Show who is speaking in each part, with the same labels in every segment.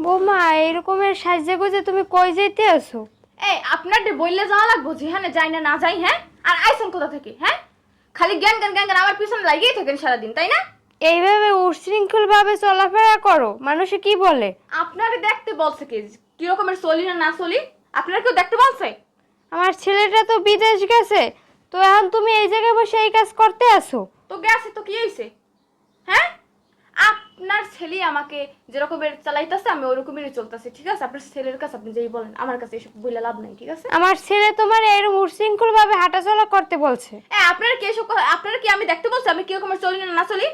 Speaker 1: ও মা, এরকমের সাজে গুজে তুমি কই যাইতে আছো?
Speaker 2: এই আপনার বললে যাওয়া লাগবো যেখানে যাই না না যাই, হ্যাঁ? আর আইসন কোথা থেকে, হ্যাঁ? খালি জ্ঞান জ্ঞান জ্ঞান জ্ঞান আমার পিছনে লাগিয়েই থাকেন সারাদিন, তাই না?
Speaker 1: এইভাবে উচ্ছৃঙ্খল ভাবে চলাফেরা করো, মানুষে কি বলে?
Speaker 2: আপনারে দেখতে বলছে কি রকমের চলি না না চলি? আপনারা কেউ দেখতে বলছে?
Speaker 1: আমার ছেলেটা তো বিদেশ গেছে, তো এখন তুমি এই জায়গায় বসে এই কাজ করতে আসো?
Speaker 2: তো গেছে তো কি হয়েছে, হ্যাঁ? আপনার ছেলে আমাকে যেরকমের চালাইতেছে আমি ওরকমেরই চলতেছি, ঠিক আছে? আপনার ছেলের কাছে আপনি যেই বলেন, আমার কাছে এসব বলে লাভ নাই, ঠিক আছে?
Speaker 1: আমার ছেলে তোমার এরকম উচ্ছৃঙ্খল ভাবে হাঁটাচলা করতে বলছে।
Speaker 2: আপনারা কি এসব আপনারা কি আমি দেখতে বলছি আমি কি রকমের চলি না না চলি?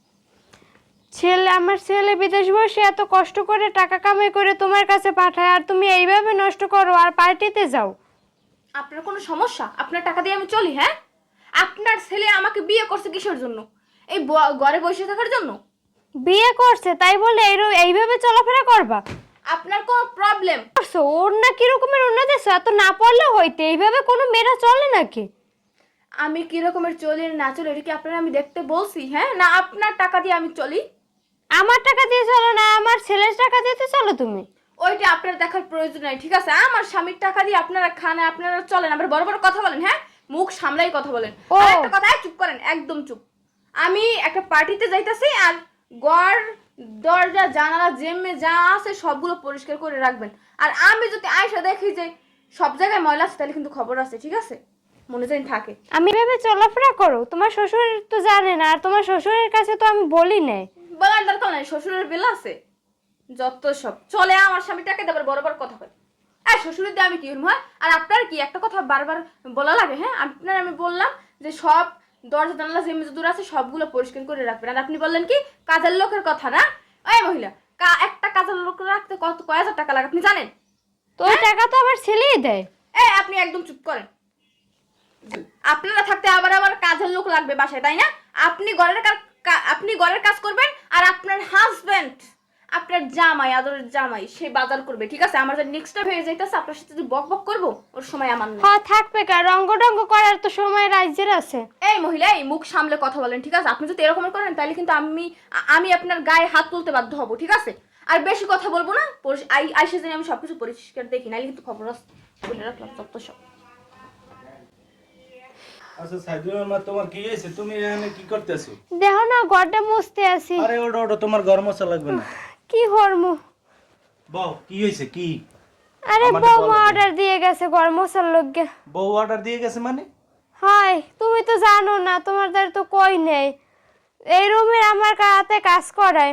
Speaker 1: আমার ছেলে বিদেশ বসে এত কষ্ট করে টাকা কামাই করে তোমার কাছে পাঠায়, আর তুমি এইভাবে নষ্ট করো আর পার্টিতে যাও।
Speaker 2: আপনার কোনো সমস্যা? আপনার টাকা দিয়ে আমি চলি, হ্যাঁ? আপনার ছেলে আমাকে বিয়ে করছে কিসের জন্য? এই ঘরে বসে থাকার জন্য?
Speaker 1: বিয়ে করছে তাই বলে এইভাবে চলাফেরা করবা?
Speaker 2: আপনার কোনো প্রবলেম?
Speaker 1: করছো ওর না কি রকমের উন্নতি, এত না পড়লে হইতে এইভাবে কোনো মেয়েরা চলে নাকি?
Speaker 2: আমি কি রকমের চলি না চলি এটা কি আপনারা আমি দেখতে বলছি, হ্যাঁ? না আপনার টাকা দিয়ে আমি চলি?
Speaker 1: আমার টাকা দিয়ে চলো না, আমার ছেলের টাকা দিতে চলো তুমি?
Speaker 2: ওইটা আপনার দেখার প্রয়োজন নাই, ঠিক আছে? আমার স্বামীর টাকা দিয়ে আপনারা খান, আপনারা চলেন, আবার বড় বড় কথা বলেন, হ্যাঁ? মুখ সামলাই কথা বলেন।
Speaker 1: ও।
Speaker 2: আর একটা কথা, চুপ করেন, একদম চুপ। আমি একটা পার্টিতে যাইতাছি, আর ঘর দরজা জানালা জেমে যা আছে সবগুলো পরিষ্কার করে রাখবেন। আর আমি যদি আয়সা দেখি যে সব জায়গায় ময়লা আছে, তাহলে কিন্তু খবর আছে, ঠিক আছে? মনে জানি থাকে।
Speaker 1: আমি ভেবে চলাফেরা করো, তোমার শ্বশুর তো জানে না, আর তোমার শ্বশুরের কাছে তো আমি বলি নাই।
Speaker 2: বলার দরকার নাই, শ্বশুরের বেল আছে যত সব চলে। আমার স্বামীটাকে দেবার বড় বড় কথা বলে, আর শ্বশুরের দিয়ে আমি কি হইম, হয়? আর আপনার কি একটা কথা বারবার বলা লাগে, হ্যাঁ? আপনার আমি বললাম যে সব দরজা জানালা যে মেজে দূর আছে সবগুলো পরিষ্কার করে রাখবেন, আর আপনি বললেন কি কাজের লোকের কথা, না? ওই মহিলা, একটা কাজের লোক রাখতে কয় হাজার টাকা লাগে আপনি জানেন?
Speaker 1: তো ওই টাকা তো আমার ছেলেই দেয়।
Speaker 2: এই আপনি একদম চুপ করেন। আপনারা থাকতে আবার আবার কাজের লোক লাগবে বাসায়, তাই না? আপনি ঘরের কাজ করবেন, আর আপনার হাজবেন্ড, আপনার জামাই, আদরের জামাই, সে বাজার করবে, ঠিক আছে? আমার যে নেক্সট হয়ে যাইতেছে, আপনার সাথে যদি বক বক করবো ওর সময় আমার নেই।
Speaker 1: হ্যাঁ থাকবে, কার রঙ্গ টঙ্গ করার তো সময় রাজ্যের আছে।
Speaker 2: এই মহিলা, এই মুখ সামলে কথা বলেন, ঠিক আছে? আপনি যদি এরকম করেন তাহলে কিন্তু আমি আপনার গায়ে হাত তুলতে বাধ্য হব, ঠিক আছে? আর বেশি কথা বলবো না, আইসে জানি আমি সবকিছু পরিষ্কার দেখি, নাহলে কিন্তু খবর আছে, বলে রাখলাম সব তো সব।
Speaker 3: আচ্ছা সাইদুল মা, তোমার কি হয়েছে? তুমি এখানে কি করতেছো?
Speaker 1: দেখো না, ঘরটা মুছতে আছি।
Speaker 3: আরে ওটা ওটা তোমার ঘর মোছা লাগবে না।
Speaker 1: কি হরমু?
Speaker 3: বউ কি হয়েছে কি?
Speaker 1: আরে
Speaker 3: আমাদের
Speaker 1: বউ
Speaker 3: বলো তো।
Speaker 1: অর্ডার দিয়ে গেছে ঘর মোছার লগে।
Speaker 3: বউ অর্ডার দিয়ে গেছে মানে?
Speaker 1: হয় তুমি তো জানো না, তোমার দ্বারা তো কই নেই। এই রুমে আমার হাতে কাজ করায়।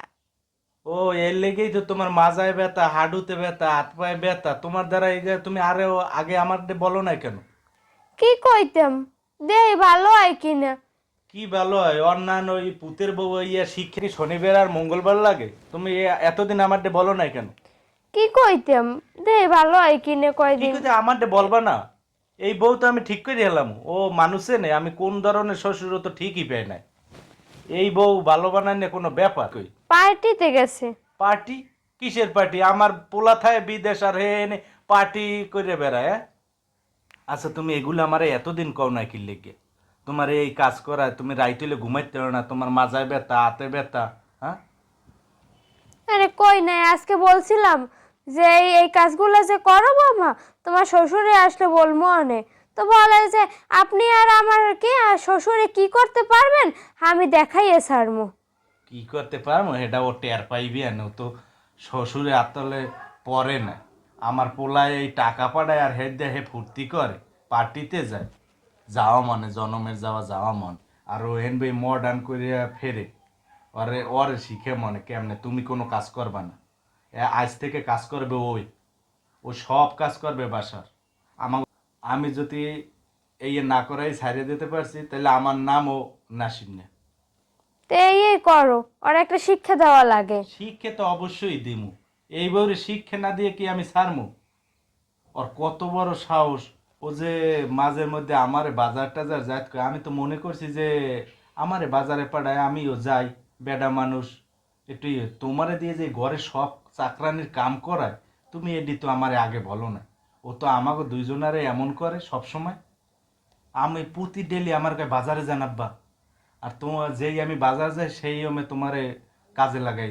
Speaker 3: ও এর লেগেই তো তোমার মাজায় ব্যথা, হাঁটুতে ব্যথা, হাত পায়ে ব্যথা। তোমার দ্বারা এই যে তুমি আরে আগে আমার বলো না কেন?
Speaker 1: কি কইতাম, দেই ভালো হয় কিনা।
Speaker 3: কি ভালো হয়? অন্যান্য ওই পুতের বউ ইয়া শিক্ষা কি শনিবার আর মঙ্গলবার লাগে? তুমি এতদিন আমার বলো না কেন?
Speaker 1: কি কইতাম, দেই ভালো হয় কিনা
Speaker 3: কি
Speaker 1: কয়দিন।
Speaker 3: করে আমার বলবা না? এই বউ তো আমি ঠিক করে এলাম, ও মানুষে নেই। আমি কোন ধরনের শ্বশুর তো ঠিকই পাই নাই। এই বউ ভালো বানায় না কোনো ব্যাপার? কই
Speaker 1: পার্টিতে গেছে।
Speaker 3: পার্টি? কিসের পার্টি? আমার পোলা থায় বিদেশ আর হে এনে পার্টি করে বেড়ায়, হ্যাঁ? আচ্ছা তুমি এগুলো আমার এতদিন কও না কি লেগে? তোমার এই কাজ করায় তুমি রাইতেলে ঘুমাইতে পারো না, তোমার মাজায় ব্যথা, হাতে ব্যথা, হ্যাঁ?
Speaker 1: আরে কই নাই, আজকে বলছিলাম যে এই কাজগুলো যে করো মামা, তোমার শ্বশুরে আসলে বলবো অনেক। তো বলে যে আপনি আর আমার কি আর শ্বশুরে কি করতে পারবেন, আমি দেখাইয়ে ছাড়মু।
Speaker 3: কি করতে পারবো এটা ও টের পাইবি না, ও তো শ্বশুরে আতলে পরে না। আমার পোলায় এই টাকা পাঠায় আর হেড দিয়ে হে ফুর্তি করে, পার্টিতে যায়, যাওয়া মানে জনমের যাওয়া মন। আর ও এনবে মডার্ন করিয়া ফেরে, ওরে শিখে মনে কেমনে তুমি কোনো কাজ করবা না। আজ থেকে কাজ করবে ওই, ও সব কাজ করবে বাসার। আমার আমি যদি এই না করাই ছাড়িয়ে দিতে পারছি তাহলে আমার নামও নাসিম না।
Speaker 1: তো এই করো, আর একটা শিক্ষা দেওয়া লাগে।
Speaker 3: শিক্ষা তো অবশ্যই দিমু। এইবারে শিক্ষা না দিয়ে কি আমি ছাড়মু? ওর কত বড় সাহস! ও যে মাঝে মধ্যে আমারে বাজার টাজার যাইত কয়, আমি তো মনে করছি যে আমারে বাজারে পাঠায়, আমিও যাই, বেডা মানুষ একটু তোমারে দিয়ে যে ঘরে সব চাকরানির কাম করায়, তুমি এডি তো আমারে আগে বলো না। ও তো আমাকে দুইজনারে এমন করে সব সময়। আমি প্রতি ডেলি আমার কাছে বাজারে জানাব্বা, আর তোমার যেই আমি বাজার যাই সেই আমি তোমারে কাজে লাগাই দেয়।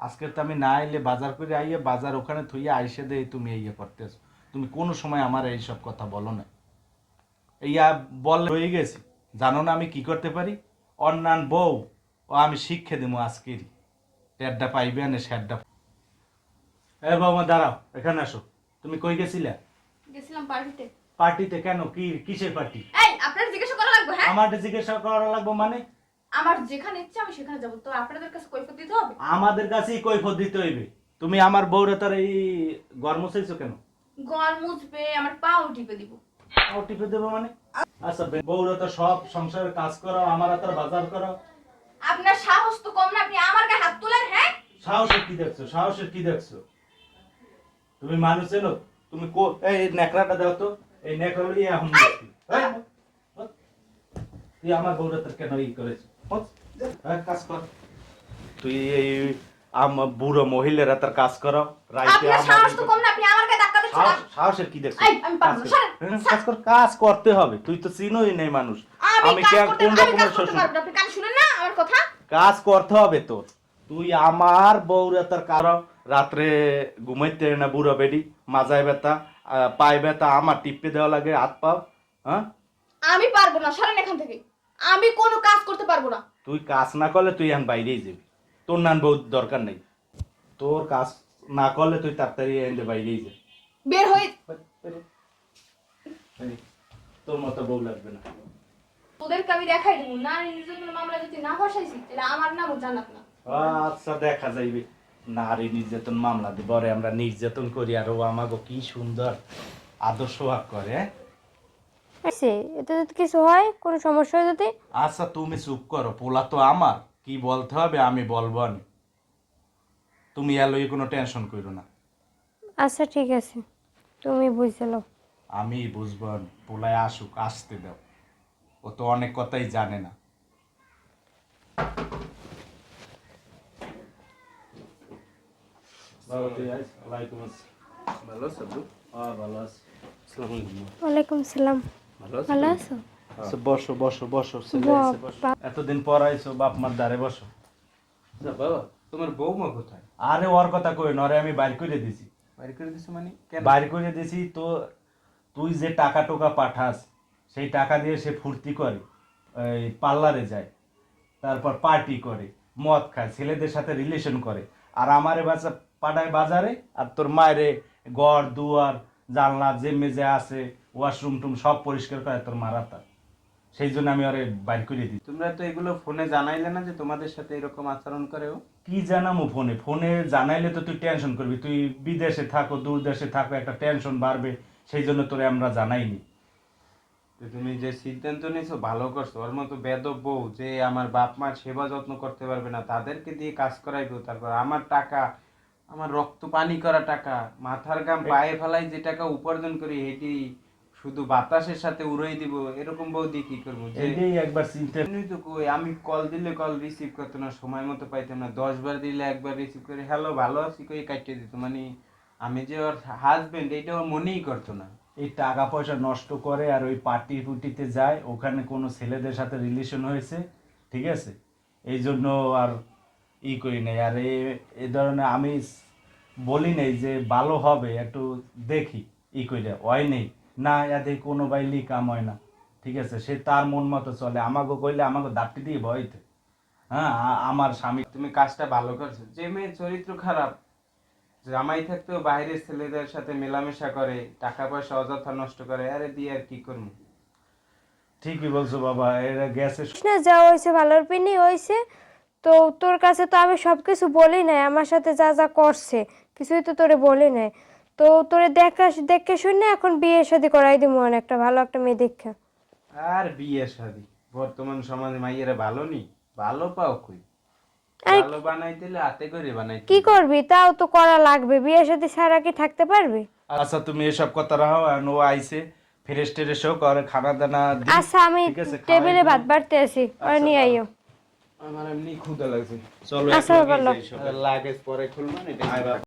Speaker 3: আজকে তো আমি না এলে বাজার করে আইয়ে বাজার ওখানে থুইয়ে আইসে দেই তুমি ইয়ে করতেছো। তুমি কোনো সময় আমার এইসব কথা বলো না। ইয়া বল হয়ে গেছি, জানো না আমি কি করতে পারি? অন্যান্য বউ ও আমি শিক্ষা দেবো আজকেরই, টেডটা পাইবে না স্যারটা। এ বাবা দাঁড়াও, এখানে আসো। তুমি কই গেছিলা?
Speaker 2: গেছিলাম পার্টিতে।
Speaker 3: পার্টিতে কেন? কি কিসের পার্টি?
Speaker 2: এই আপনার জিজ্ঞাসা করা লাগবে হ্যাঁ?
Speaker 3: আমাদের জিজ্ঞাসা করা লাগবে মানে?
Speaker 2: আমার যেখানে ইচ্ছা আমি সেখানে যাব, তো আপনাদের কাছে কৈফিয়ত দিতে হবে?
Speaker 3: আমাদের কাছেই কৈফিয়ত দিতে হইবে। তুমি আমার বউরে তার এই গরম চাইছো কেন?
Speaker 2: গল মুছবে, আমার পাও টিপে দিব।
Speaker 3: ও টিপে দেবো মানে? আচ্ছা বউরে তো সব সংসারের কাজ করো, আমার তার বাজার করো।
Speaker 2: আপনার সাহস তো কম না, আপনি আমার গায়ে হাত তোলেন হ্যাঁ?
Speaker 3: সাহসের কি দেখছো? সাহসের কি দেখছো? তুমি মানুষ চেনো? তুমি এই নেকড়াটা দাও তো, এই নেকড়া লইয়া এখন মুশকিল। এই, তুই আমার বউরে তোর কেন ই করেছিস? কাজ কর তুই। এই বুড়ো মহিলারা তার কাজ করো।
Speaker 2: আপনার সাহস তো কম না, আপনি আমার গায়ে ধাক্কা দিচ্ছেন।
Speaker 3: সাহসের কি দেখছো?
Speaker 2: এই, আমি পারবো না, সরেন।
Speaker 3: কাজ কর, কাজ করতে হবে। তুই তো চিনোই নেই মানুষ। আমি কোন রকমের শ্বশুর?
Speaker 2: আপনি কান শুনেন না আমার কথা?
Speaker 3: কাজ করতে হবে তোর। তুই আমার বউরে তার কারণ রাত্রে ঘুমাইতে না, বুড়ো বেডি মাজায় ব্যথা, পায়ে ব্যথা, আমার টিপে দেওয়া লাগে হাত পাও। হ্যাঁ
Speaker 2: আমি পারবো না, সরেন এখান থেকে। আমি কোনো কাজ করতে পারবো না।
Speaker 3: তুই কাজ না করলে তুই এখন বাইরেই যাবি। তোর নান বউ দরকার নেই। তোর কাজ না করলে তুই তাড়াতাড়ি এনে বাইরেই যাবি।
Speaker 2: বের হয়ে
Speaker 3: তোর মতো বউ লাগবে না।
Speaker 2: ওদেরকে আমি দেখাই দেবো, নারী নির্যাতনের মামলা যদি না বসাইছি তাহলে আমার নামও জান্নাত না।
Speaker 3: আচ্ছা দেখা যাইবে। নারী নির্যাতন মামলা দিব, আমরা নির্যাতন করি আর ও আমাকে কি সুন্দর আদর্শ ভাগ করে।
Speaker 1: এতে যদি কিছু হয়, কোনো সমস্যা হয় যদি?
Speaker 3: আচ্ছা তুমি চুপ করো, পোলা তো আমার, কি বলতে হবে আমি বলবো। আমি তুমি এলোই কোনো টেনশন করো না।
Speaker 1: আচ্ছা ঠিক আছে, তুমি বুঝলো।
Speaker 3: আমি বুঝবো। পোলায় আসুক, আসতে দাও। ও তো অনেক কথাই জানে না।
Speaker 4: ভালো আছো আব্বু?
Speaker 3: ভালো আছি।
Speaker 4: আসসালামু আলাইকুম।
Speaker 1: ওয়ালাইকুম সালাম।
Speaker 4: ভালো আছো?
Speaker 1: ভালো আছো?
Speaker 3: আচ্ছা বসো বসো বসো, ছেলে আইছে, বসো।
Speaker 1: বাবা।
Speaker 3: এতদিন পর আইছো, বাপ মার দ্বারে বসো।
Speaker 4: আচ্ছা বাবা, তোমার বৌমা কোথায়?
Speaker 3: আরে ওর কথা কই নরে, আমি বাইর করে দিছি।
Speaker 4: বাড়ি করে দিছো মানে কেন?
Speaker 3: বাইর করে দিছি তো। তুই যে টাকা টোকা পাঠাস, সেই টাকা দিয়ে সে ফুর্তি করে, এই পার্লারে যায়, তারপর পার্টি করে, মদ খায়, ছেলেদের সাথে রিলেশন করে। আর আমারে বাচ্চা পাঠায় বাজারে, আর তোর মায়েরে ঘর দুয়ার জানলা যে মেজে আছে ওয়াশরুম টুম সব পরিষ্কার করে তোর মারা তার। সেই জন্য আমি ওরে বাইর করে দিই।
Speaker 4: তোমরা তো এগুলো ফোনে জানাইলে না যে তোমাদের সাথে এরকম আচরণ করে ও?
Speaker 3: কি জানামো ফোনে? ফোনে জানাইলে তো তুই টেনশন করবি। তুই বিদেশে থাকো, দূর দেশে থাকো, একটা টেনশন বাড়বে। সেই জন্য তোরে আমরা জানাইনি।
Speaker 4: তো তুমি যে সিদ্ধান্ত নিয়েছো ভালো করছো। ওর মতো বেদব বউ যে আমার বাপ মার সেবা যত্ন করতে পারবে না, তাদেরকে দিয়ে কাজ করাইবো। তারপর আমার টাকা, আমার রক্ত পানি করা টাকা, মাথার গাম পায়ে ফেলাই যে টাকা উপার্জন করি, এটি শুধু বাতাসের সাথে উড়াই দিব। এরকম বউ দিয়ে কি করবো? যে
Speaker 3: এটাই একবার চিন্তা।
Speaker 4: এমনি তো কই, আমি কল দিলে কল রিসিভ করতো না, সময় মতো পাইতাম না। 10 বার দিলে একবার রিসিভ করে হ্যালো ভালো আছি কই কাটিয়ে দিত। মানে আমি যে ওর হাজবেন্ড এটা ওর মনেই করতো না।
Speaker 3: এই টাকা পয়সা নষ্ট করে আর ওই পার্টি ফুটিতে যায়, ওখানে কোনো ছেলেদের সাথে রিলেশন হয়েছে, ঠিক আছে, এই জন্য আর ই করি নাই। আর এই ধরনের আমি বলি নাই যে ভালো হবে, একটু দেখি ই করে হয় নেই না, এতে কোনো বাইলি কাম হয় না, ঠিক আছে। সে তার মন মতো চলে, আমাকে কইলে আমাকে দাপটি দিয়ে ভয়তে। হ্যাঁ আমার স্বামী।
Speaker 4: তুমি কাজটা ভালো করছো। যে মেয়ের চরিত্র খারাপ, জামাই থাকতেও বাইরের ছেলেদের সাথে মেলামেশা করে, টাকা পয়সা অযথা নষ্ট করে, আরে দিয়ে আর কি করবো?
Speaker 3: ঠিকই বলছো বাবা, এরা গেছে।
Speaker 1: না যা হয়েছে ভালোর পিনি হয়েছে। তো তোর কাছে তো আমি সব কিছু বলি নাই, আমার সাথে যা যা করছে কিছুই তো তোরে বলি নাই। তো তোরে দেখে শুনে এখন বিয়ে শাদী করাই দিব, একটা ভালো একটা মেয়ে দেখা।
Speaker 4: আর বিয়ে শাদী বর্তমান সমাজে মাইয়েরা ভালো নি, ভালো পাও কই?
Speaker 1: আরে
Speaker 4: ভালো বানাইতেলে হাতে করে বানাইতে
Speaker 1: কি করবি, তাও তো করা লাগবে, বিয়ে শাদী ছাড়া কি থাকতে পারবি?
Speaker 3: আচ্ছা তুমি এসব কথা রাখো, আর ও আইছে ফ্রেশ ট্রেশ হোক আর খানা দানা দিই।
Speaker 1: আচ্ছা আমি
Speaker 3: ঠিক আছে,
Speaker 1: টেবিলে
Speaker 3: খাওয়াই
Speaker 1: ভাত বাড়তে আছি, আর নিয়ে আইও।
Speaker 4: আমার এমনি ক্ষুধা লাগছে।
Speaker 3: চলো
Speaker 1: আচ্ছা,
Speaker 3: একলগে
Speaker 1: ভালো।
Speaker 3: যাই সবাই।
Speaker 4: লাগেজ পরে খুলবো না।
Speaker 3: আয় বাবা।